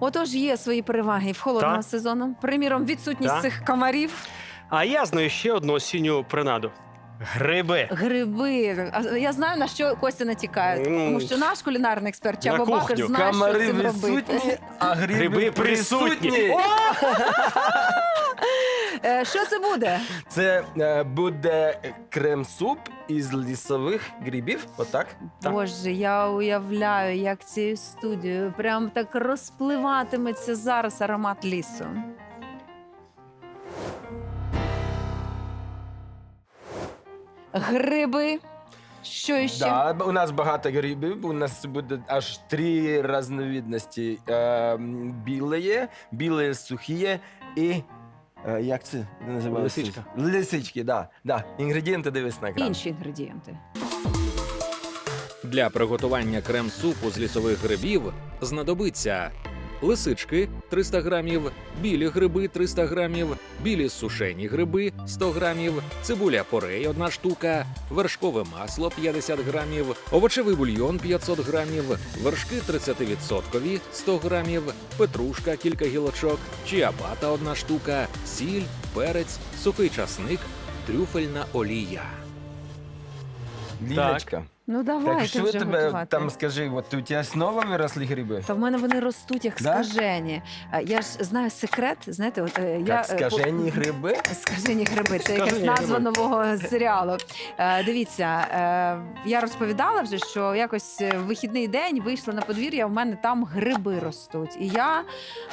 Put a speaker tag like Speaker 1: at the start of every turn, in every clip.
Speaker 1: Отож, є свої переваги в холодного
Speaker 2: Так.
Speaker 1: сезону. Приміром, відсутність
Speaker 2: Так.
Speaker 1: цих комарів.
Speaker 2: А я знаю ще одну осінню принаду. Гриби.
Speaker 1: Гриби. А я знаю, на що Костя натякає. Тому що наш кулінарний експерт Чабо
Speaker 2: На
Speaker 1: Бакер
Speaker 2: кухню.
Speaker 1: знає, що з
Speaker 3: Камари
Speaker 1: цим робити.
Speaker 3: відсутні, а
Speaker 2: Гриби присутні. О!
Speaker 1: Що це буде?
Speaker 3: Це буде крем-суп із лісових грибів, отак.
Speaker 2: Так.
Speaker 1: Боже, я уявляю, як цією студією прям так розпливатиметься зараз аромат лісу. Гриби. Що іще?
Speaker 3: Да, у нас багато грибів, у нас буде аж 3 різновидності. Білі, сухі і... як це називається?
Speaker 2: Лисичка.
Speaker 3: Лисички, да. Інгредієнти дивись на екран.
Speaker 1: Інші інгредієнти.
Speaker 4: Для приготування крем-супу з лісових грибів знадобиться лисички 300 грамів, білі гриби 300 грамів, білі сушені гриби 100 грамів, цибуля порей 1 штука, вершкове масло 50 грамів, овочевий бульйон 500 грамів, вершки 30% 100 грамів, петрушка кілька гілочок, чиабата 1 штука, сіль, перець, сухий часник, трюфельна олія.
Speaker 3: Лілечка.
Speaker 1: Ну
Speaker 3: Так
Speaker 1: давайте
Speaker 3: що
Speaker 1: вже
Speaker 3: тебе
Speaker 1: готувати.
Speaker 3: там, скажи, от у тебе знову виросли гриби?
Speaker 1: Та в мене вони ростуть як
Speaker 3: Да?
Speaker 1: скажені. Я ж знаю секрет, знаєте, от
Speaker 3: Як скажені гриби?
Speaker 1: Скажені гриби, це якась
Speaker 2: Скажені
Speaker 1: назва
Speaker 2: гриби.
Speaker 1: нового серіалу. Дивіться, я розповідала вже, що якось в вихідний день вийшла на подвір'я, в мене там гриби ростуть. І я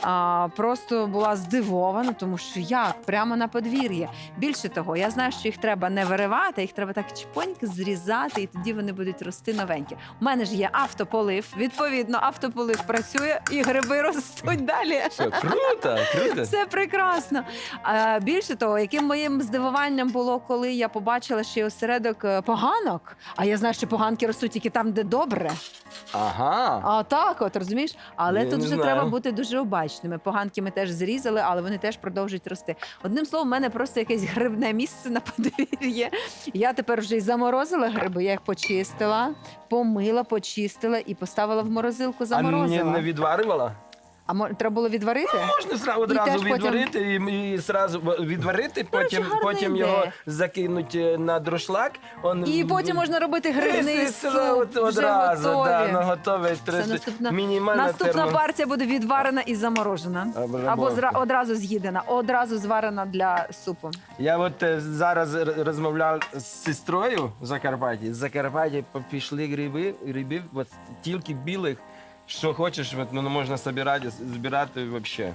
Speaker 1: просто була здивована, тому що як? Прямо на подвір'ї. Більше того, я знаю, що їх треба не виривати, їх треба так чпоньки зрізати, і тоді вони будуть рости новенькі. У мене ж є автополив, відповідно, автополив працює, і гриби ростуть далі.
Speaker 3: Що, круто, круто.
Speaker 1: Це прекрасно. Більше того, яким моїм здивуванням було, коли я побачила, що є осередок поганок, а я знаю, що поганки ростуть тільки там, де добре.
Speaker 3: Ага.
Speaker 1: А так, от розумієш? Але
Speaker 3: Я
Speaker 1: тут
Speaker 3: не
Speaker 1: вже
Speaker 3: знаю.
Speaker 1: треба бути дуже обачними. Поганки ми теж зрізали, але вони теж продовжують рости. Одним словом, в мене просто якесь грибне місце на подвір'ї. Я тепер вже й заморозила гриби, я їх почистила, помила, почистила і поставила в морозилку,
Speaker 3: А
Speaker 1: заморозила.
Speaker 3: не відварювала?
Speaker 1: Треба було відварити?
Speaker 3: Можна
Speaker 1: І
Speaker 3: одразу
Speaker 1: теж потім-
Speaker 3: відварити і зразу відварити, потім,
Speaker 1: гарна
Speaker 3: потім
Speaker 1: ідея.
Speaker 3: його закинути на друшлак.
Speaker 1: І потім можна робити грибний суп. Вже
Speaker 3: одразу,
Speaker 1: готові.
Speaker 3: да, готове.
Speaker 1: Це наступна,
Speaker 3: Мінімальна
Speaker 1: наступна
Speaker 3: термо-
Speaker 1: партія буде відварена і заморожена. Або одразу з'їдена, одразу зварена для супу.
Speaker 3: Я от зараз розмовляв з сестрою в Закарпатті. З Закарпатті пішли гриби, от тільки білих, що хочеш, от, ну, можна збирати взагалі.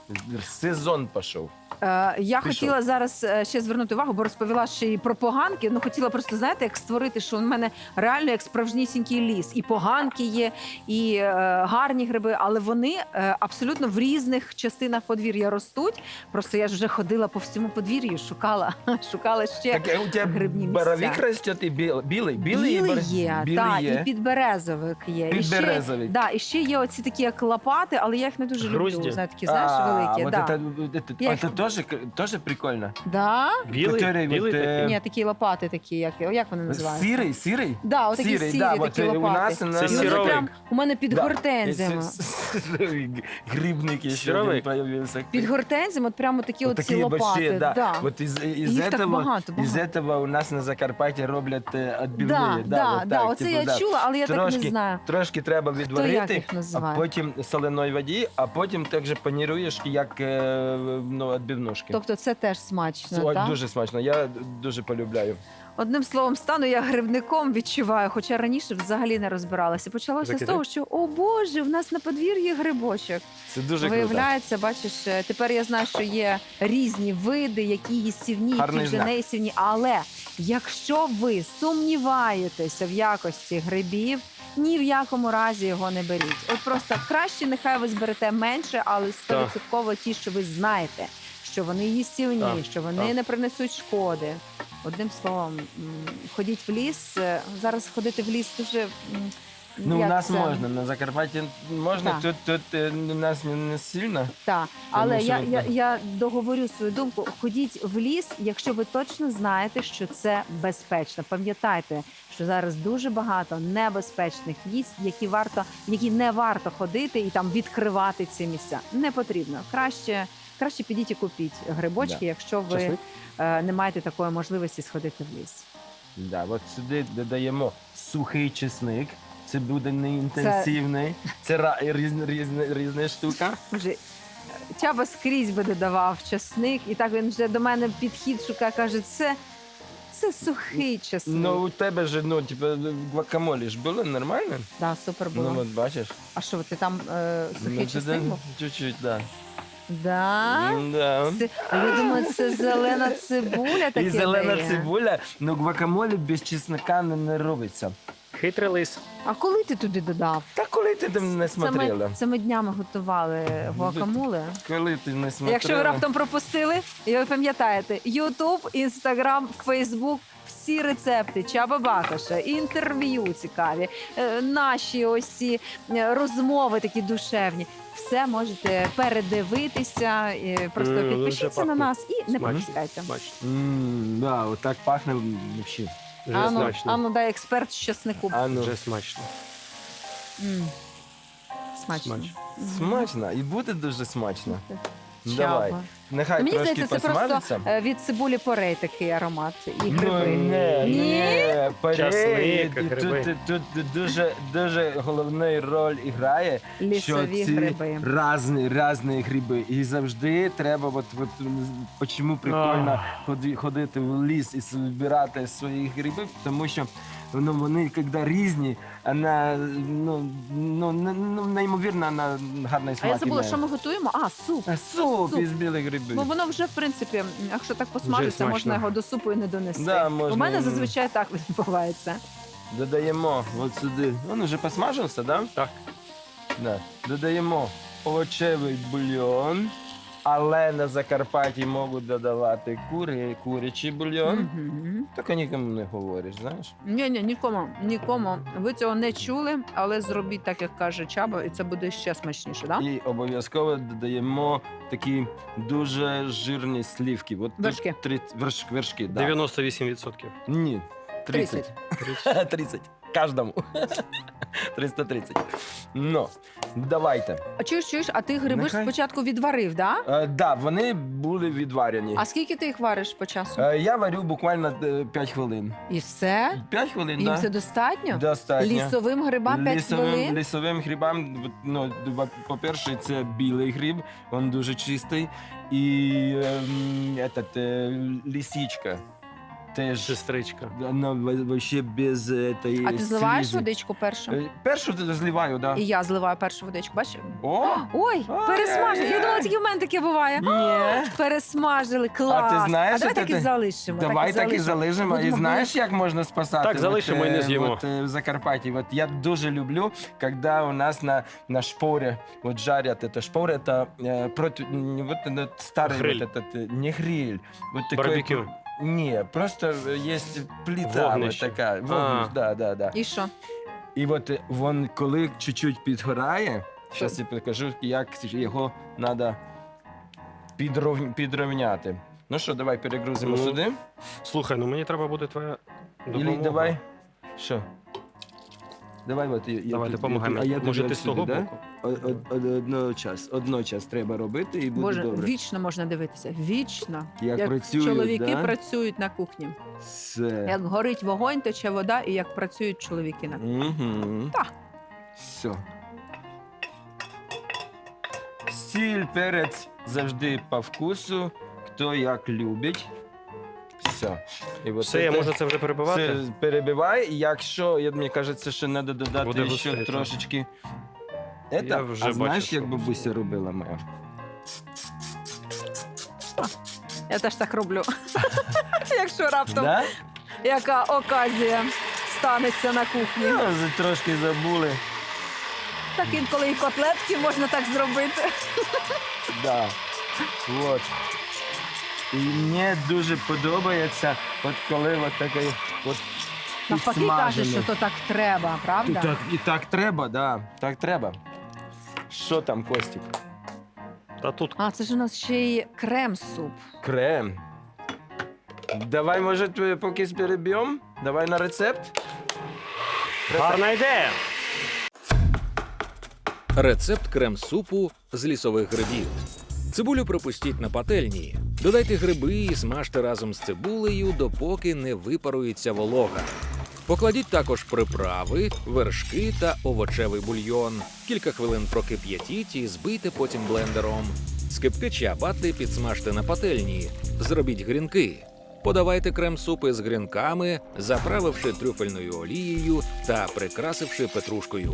Speaker 3: Сезон пішов.
Speaker 1: Я
Speaker 3: Пішов.
Speaker 1: хотіла зараз ще звернути увагу, бо розповіла ще і про поганки. Ну, хотіла просто, знаєте, як створити, що в мене реально як справжнісінький ліс. І поганки є, і гарні гриби, але вони абсолютно в різних частинах подвір'я ростуть. Просто я ж вже ходила по всьому подвір'ю, шукала ще
Speaker 3: Так, у тебе
Speaker 1: грибні
Speaker 3: боровик
Speaker 1: місця.
Speaker 3: росте і білий?
Speaker 1: Білий є,
Speaker 3: білий
Speaker 1: так,
Speaker 3: є.
Speaker 1: і підберезовик є.
Speaker 3: Підберезовик.
Speaker 1: І ще є оці такі як лопати, але я їх не дуже
Speaker 2: Грузді.
Speaker 1: люблю. Знаєте, такі, знаєш, великі.
Speaker 3: Вот
Speaker 1: Да. Я
Speaker 3: это тоже прикольно.
Speaker 1: Да?
Speaker 2: Білий,
Speaker 3: Который
Speaker 2: білий
Speaker 3: вот,
Speaker 2: такий.
Speaker 1: Ні, такі лопати такі, як вони називаються?
Speaker 3: Сирий?
Speaker 1: Да, отакі сірі,
Speaker 3: да,
Speaker 1: такі
Speaker 3: вот,
Speaker 1: лопати.
Speaker 3: у нас
Speaker 1: І
Speaker 2: Це
Speaker 1: вони
Speaker 2: сіровик.
Speaker 1: прям у мене під
Speaker 3: Да.
Speaker 1: гортензіями.
Speaker 3: Грибник еще
Speaker 1: Під
Speaker 3: один появился.
Speaker 1: гортензіями от прямо такі
Speaker 3: Вот
Speaker 1: оці
Speaker 3: такие
Speaker 1: лопати.
Speaker 3: большие, да.
Speaker 1: Да.
Speaker 3: Вот из
Speaker 1: Їх так багато.
Speaker 3: из этого у нас на Закарпатті роблять відбивні.
Speaker 1: Да, оце я чула, але я так не знаю.
Speaker 3: Трошки треба
Speaker 1: як
Speaker 3: відварити,
Speaker 1: їх
Speaker 3: а
Speaker 1: називає?
Speaker 3: потім соленої воді, а потім також паніруєш, як відбивнушки.
Speaker 1: Тобто це теж смачно, так?
Speaker 3: Дуже смачно, я дуже полюбляю.
Speaker 1: Одним словом, стану я грибником, відчуваю, хоча раніше взагалі не розбиралася. Почалося з
Speaker 2: Закидай.
Speaker 1: того, що, о Боже, в нас на подвір'ї грибочок.
Speaker 3: Це дуже круто.
Speaker 1: Виявляється, бачиш, тепер я знаю, що є різні види, які їстівні, які
Speaker 3: Гарний
Speaker 1: вже
Speaker 3: знак.
Speaker 1: не їстівні. Але якщо ви сумніваєтеся в якості грибів, ні в якому разі його не беріть. От просто краще нехай ви зберете менше, але 100% ті, що ви знаєте, що вони їстівні,
Speaker 2: Так,
Speaker 1: що вони
Speaker 2: так.
Speaker 1: не принесуть шкоди. Одним словом, ходіть в ліс. Зараз ходити в ліс дуже
Speaker 3: Ну, у
Speaker 1: як
Speaker 3: нас
Speaker 1: це?
Speaker 3: можна, на Закарпатті можна,
Speaker 1: Так.
Speaker 3: тут у нас не сильно.
Speaker 1: Так, але
Speaker 3: що
Speaker 1: я договорю свою думку. Ходіть в ліс, якщо ви точно знаєте, що це безпечно. Пам'ятайте, що зараз дуже багато небезпечних місць, які не варто ходити і там відкривати ці місця. Не потрібно. Краще підіть і купіть грибочки,
Speaker 3: Да.
Speaker 1: якщо ви
Speaker 3: Часник?
Speaker 1: не маєте такої можливості сходити в ліс.
Speaker 3: Да, от сюди додаємо сухий чесник. Це буде не інтенсивний. Це різна штука.
Speaker 1: Вже Чаба скрізь би додавав часник, і так він вже до мене підхід шукає, каже, це сухий часник.
Speaker 3: Ну, у тебе ж, типу, гвакамолі ж було нормально?
Speaker 1: Да, супер було.
Speaker 3: Ну, от бачиш.
Speaker 1: А що, ти там сухий
Speaker 3: Ну,
Speaker 1: часник був?
Speaker 3: Чуть-чуть, да.
Speaker 1: Да?
Speaker 3: Да.
Speaker 1: А я думаю, це зелена цибуля таке
Speaker 3: І зелена
Speaker 1: дає.
Speaker 3: цибуля, ну гвакамолі без чеснока не робиться.
Speaker 2: Хитрий лис.
Speaker 1: А коли ти туди додав?
Speaker 3: Та коли ти там не смотрела?
Speaker 1: Це ми днями готували гуакамоле.
Speaker 3: Коли ти не смотрела?
Speaker 1: Якщо ви раптом пропустили, і ви пам'ятаєте, Ютуб, Інстаграм, Фейсбук, всі рецепти Чаба Бакоша, інтерв'ю цікаві, наші ось ці розмови такі душевні. Все можете передивитися, просто
Speaker 2: Дуже
Speaker 1: підпишіться на
Speaker 2: пахне.
Speaker 1: нас і не
Speaker 2: Смачно.
Speaker 1: пропускайте.
Speaker 2: Смачно.
Speaker 3: Да, отак пахне взагалі.
Speaker 2: Вже смачно.
Speaker 1: Ану, дай експерт з часнику.
Speaker 3: А ну,
Speaker 2: Вже смачно.
Speaker 1: М. Смачно.
Speaker 2: Смачно.
Speaker 1: Мгм.
Speaker 3: смачно. І буде дуже смачно.
Speaker 1: Чаба.
Speaker 3: Давай. Нехай
Speaker 1: Мені
Speaker 3: трошки
Speaker 1: здається, це
Speaker 3: посмажиться.
Speaker 1: просто від цибулі порей такий аромат і гриби.
Speaker 3: Ну, не,
Speaker 2: Часник, гриби.
Speaker 3: Тут дуже головну роль грає,
Speaker 1: Лісові
Speaker 3: що ці
Speaker 1: гриби.
Speaker 3: різні гриби. І завжди треба, чому прикольно ходити в ліс і збирати свої гриби, тому що вони, коли різні, вона, неймовірно, вона гарний
Speaker 1: А
Speaker 3: смак
Speaker 1: я забула,
Speaker 3: має.
Speaker 1: що ми готуємо? А, суп.
Speaker 3: Суп
Speaker 1: Суп.
Speaker 3: із білих грибів.
Speaker 1: Ну воно вже, в принципі, якщо так посмажиться,
Speaker 2: смачно.
Speaker 1: можна його до супу і не донести.
Speaker 3: Да, можна.
Speaker 1: У мене зазвичай так відбувається.
Speaker 3: Додаємо от сюди. Він вже посмажився, так?
Speaker 2: Так.
Speaker 3: Да. Додаємо овочевий бульйон, але на Закарпатті можуть додавати курячий бульйон.
Speaker 1: Мгм.
Speaker 3: Так нікому не говориш, знаєш?
Speaker 1: Ні, нікому. Ви цього не чули, але зробіть так, як каже Чаба, і це буде ще смачніше, так?
Speaker 3: І обов'язково додаємо такі дуже жирні слівки. От тут
Speaker 1: Вершки.
Speaker 3: Вершки, да.
Speaker 2: 98%.
Speaker 3: Ні, 30. 30. Кожному. 330. Ну, давайте.
Speaker 1: А чуєш, а ти гриби ж
Speaker 3: Нехай.
Speaker 1: спочатку відварив, да?
Speaker 3: Да, вони були відварені.
Speaker 1: А скільки ти їх вариш по часу?
Speaker 3: Я варю буквально 5 хвилин.
Speaker 1: І все?
Speaker 3: 5 хвилин,
Speaker 1: Їм
Speaker 3: так?
Speaker 1: це достатньо?
Speaker 3: Достатньо.
Speaker 1: Лісовим грибам 5 хвилин?
Speaker 3: Лісовим грибам, по-перше, це білий гриб, він дуже чистий. І лисичка. Теж,
Speaker 2: Сестричка.
Speaker 3: вона вообще без этой
Speaker 1: А ти зливаєш
Speaker 3: слизи.
Speaker 1: водичку першу?
Speaker 3: Першу зливаю, так.
Speaker 1: І я зливаю першу водичку, бачиш?
Speaker 3: О!
Speaker 1: Ой, пересмажили. Я думала, тільки в мене таке буває.
Speaker 3: Ні.
Speaker 1: Пересмажили, клас.
Speaker 3: А ти знаєш,
Speaker 1: давай
Speaker 3: що
Speaker 1: так і
Speaker 3: ти-
Speaker 1: залишимо.
Speaker 3: Давай так і залишимо. І
Speaker 1: Будемо
Speaker 3: знаєш, як можна спасати?
Speaker 2: Так, залишимо і не з'їмо.
Speaker 3: В Закарпатті. От я дуже люблю, коли у нас на шпорі жарять. Это шпоры, это старый
Speaker 2: Гриль.
Speaker 3: не гриль. Вот такой,
Speaker 2: Барбекю.
Speaker 3: не, просто есть плита вот
Speaker 2: Вогнище.
Speaker 3: така. Вогнище, да.
Speaker 1: І що?
Speaker 3: І от він, коли чуть-чуть підгорає, зараз я покажу, як його треба підрівняти. Ну що, давай перегрузимо
Speaker 2: Ну,
Speaker 3: сюди.
Speaker 2: Слухай, ну мені треба буде твоя допомога.
Speaker 3: Или давай. Що? Давай, от
Speaker 2: Давай, допомагай мені. Може, ти з того боку?
Speaker 3: Одночас треба робити і буде
Speaker 1: Боже,
Speaker 3: добре.
Speaker 1: вічно можна дивитися. Вічно.
Speaker 3: Як працюють,
Speaker 1: чоловіки
Speaker 3: да?
Speaker 1: працюють на кухні.
Speaker 3: Все.
Speaker 1: Як горить вогонь, тече вода, і як працюють чоловіки на кухні.
Speaker 3: Угу.
Speaker 1: Так.
Speaker 3: Все. Сіль, перець завжди по вкусу, хто як любить. Все. І от
Speaker 2: Все, я
Speaker 3: це-
Speaker 2: можу це вже перебивати?
Speaker 3: Це перебивай. Якщо, мені кажеться, що треба
Speaker 2: Буде
Speaker 3: додати ще
Speaker 2: густий, так.
Speaker 3: трошечки.
Speaker 2: Я вже
Speaker 3: А знаєш,
Speaker 2: бачу,
Speaker 3: як
Speaker 2: що
Speaker 3: бабуся робила моя?
Speaker 1: Я теж так роблю. Якщо раптом
Speaker 3: Да?
Speaker 1: яка оказія станеться на кухні.
Speaker 3: Ну, трошки забули.
Speaker 1: Так інколи і котлетки можна так зробити.
Speaker 3: Да. Вот. І мені дуже подобається, от коли от такий от
Speaker 1: Навпаки каже, що то так треба, правда?
Speaker 3: І так треба, да. Так треба. Що там, Костік?
Speaker 2: Та тут
Speaker 1: А, це ж у нас ще й крем-суп.
Speaker 3: Крем. Давай, може, поки переб'ємо? Давай на рецепт.
Speaker 2: гарна ідея.
Speaker 4: Рецепт крем-супу з лісових грибів. Цибулю пропустіть на пательні. Додайте гриби і смажте разом з цибулею, допоки не випарується волога. Покладіть також приправи, вершки та овочевий бульйон. Кілька хвилин прокип'ятіть і збийте потім блендером. Скибки чиабатти підсмажте на пательні. Зробіть грінки. Подавайте крем-суп із грінками, заправивши трюфельною олією та прикрасивши петрушкою.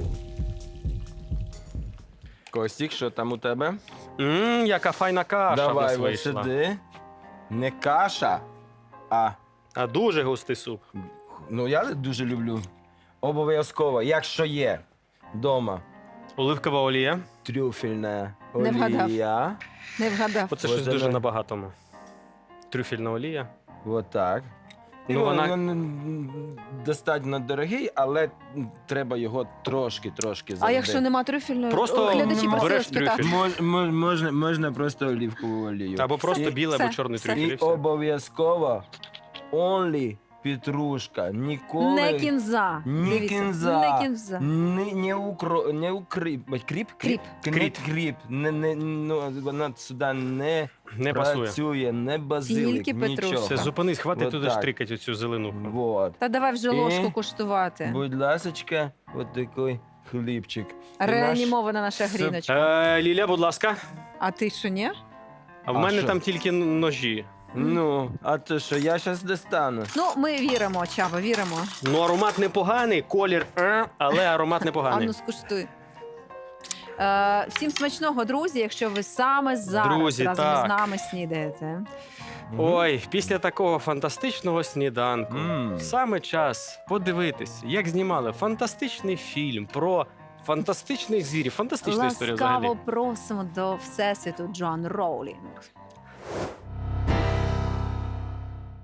Speaker 3: Костік, що там у тебе?
Speaker 2: Яка файна каша в
Speaker 3: Давай,
Speaker 2: нас
Speaker 3: ось
Speaker 2: вийшла.
Speaker 3: сюди. Не каша, а
Speaker 2: А дуже густий суп.
Speaker 3: ну я дуже люблю. Обов'язково, якщо є вдома
Speaker 2: Оливкова олія.
Speaker 3: трюфельна
Speaker 1: Не вгадав.
Speaker 3: олія.
Speaker 1: Не вгадав.
Speaker 2: Оце
Speaker 3: Ось
Speaker 2: щось дуже
Speaker 3: давай.
Speaker 2: набагатому. Трюфельна олія.
Speaker 3: Вот так.
Speaker 2: Ну, вона-
Speaker 3: достатньо дорогий, але треба його трошки
Speaker 1: А
Speaker 3: завжди.
Speaker 1: якщо нема трюфельної?
Speaker 2: Просто
Speaker 1: Глядачі просили
Speaker 2: береш
Speaker 1: спитати.
Speaker 2: трюфель.
Speaker 3: Можна просто оливкову олію.
Speaker 2: Або просто
Speaker 3: І-
Speaker 2: білий,
Speaker 1: все,
Speaker 2: або чорний
Speaker 1: все.
Speaker 2: трюфель. І
Speaker 3: І
Speaker 2: все.
Speaker 3: обов'язково only петрушка. Ніколи
Speaker 1: Не кінза.
Speaker 3: Ні
Speaker 1: Дивіться,
Speaker 3: кінза.
Speaker 1: Не кінза.
Speaker 3: не укрип. Кріп?
Speaker 1: Кріп.
Speaker 3: Кріп. Кріп. Ну, вона сюди не
Speaker 2: Не пасує.
Speaker 3: працює, не базилик,
Speaker 1: Тільки петрушка.
Speaker 3: нічого.
Speaker 2: Все, зупинись, хватить
Speaker 3: Вот
Speaker 2: туди
Speaker 3: так.
Speaker 2: штрикать оцю зелену.
Speaker 3: Вот.
Speaker 1: Та давай вже
Speaker 3: І-
Speaker 1: ложку куштувати.
Speaker 3: Будь ласочка, от такий хлібчик. І
Speaker 1: Реанімована наша
Speaker 3: суп.
Speaker 1: гріночка.
Speaker 2: Ліля, будь ласка.
Speaker 1: А ти що, ні?
Speaker 2: А в
Speaker 3: А
Speaker 2: мене
Speaker 3: що?
Speaker 2: там тільки ножі.
Speaker 3: Ну, а то що, я зараз достану.
Speaker 1: Ну, ми віримо, Чаба, віримо.
Speaker 2: Ну, аромат непоганий, колір, але аромат
Speaker 1: А
Speaker 2: непоганий.
Speaker 1: ну скуштуй. Всім смачного, друзі, якщо ви саме зараз
Speaker 2: Друзі,
Speaker 1: разом
Speaker 2: так.
Speaker 1: з нами снідаєте.
Speaker 2: Ой, після такого фантастичного сніданку
Speaker 3: Мм.
Speaker 2: саме час подивитись, як знімали фантастичний фільм про фантастичних звірів. Фантастична історія
Speaker 1: Ласкаво
Speaker 2: взагалі.
Speaker 1: просимо до Всесвіту Джоан Роулінг.